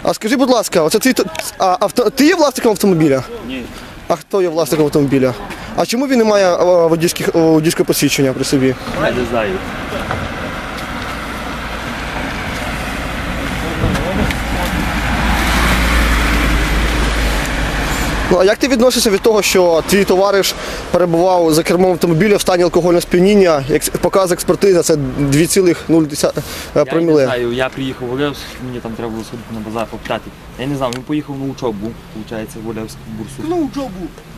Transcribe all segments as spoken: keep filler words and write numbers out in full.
А скажи, будь ласка, оце твій, а, авто, ти є власником автомобіля? Ні. А хто є власником автомобіля? А чому він не має водійського посвідчення при собі? Я не знаю. Ну, а як ти відносишся від того, що твій товариш перебував за кермом автомобіля в стані алкогольного сп'яніння, як показує експертиза, це дві цілих нуль проміле? Я не знаю, я приїхав в Олевськ, мені там треба було сходити на базар попитати. Я не знаю, він поїхав на учобу, виходить, в Олевську бурсу. На учебу.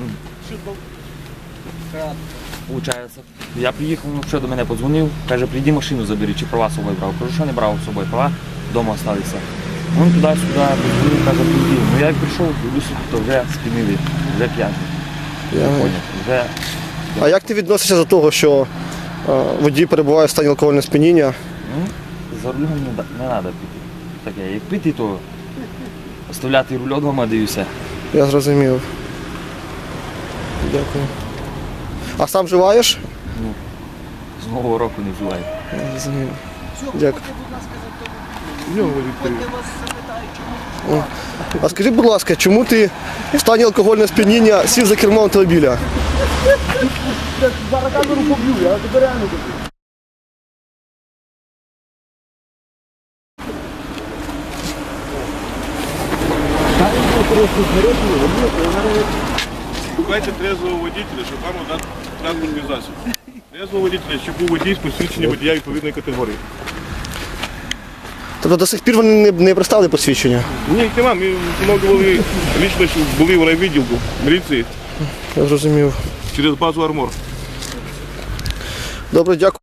Получається. Я приїхав, ну що до мене подзвонив, каже, прийди машину забери, чи права з собою брав. Кажу, що не брав з собою, права вдома залишилися. Він туди-сюди подзвонив, каже, прийди. Ну я як прийшов, дивлюся, то вже сп'янили, вже п'яний. Я... Вже... А як ти відносишся до того, що е, водій перебуває в стані алкогольного сп'яніння? Ну, за рулем не, не треба пити. Таке, як пити, то оставляти руль вдома, дивлюся. Я зрозумів. Дякую. А сам вживаєш? Ну, з нового року не вживаю. Я зрозумів. Дякую. О. А скажи, будь ласка, чому ти в стані алкогольного сп'яніння сів за кермо автомобіля? Зараз камеру поб'ю, я тебе реально поб'ю. Шукайте трезвого водителя, щоб вам надати транспортний засіб. Трезвого водителя, щоб був водій з посвідчення водія відповідної категорії. Тобто до сих пір вони не, не представили посвідчення? Ні, їх нема, ми встановлювали лічно, що були в райвідділку міліції Я зрозумів. через базу «Армор». Добре, дякую.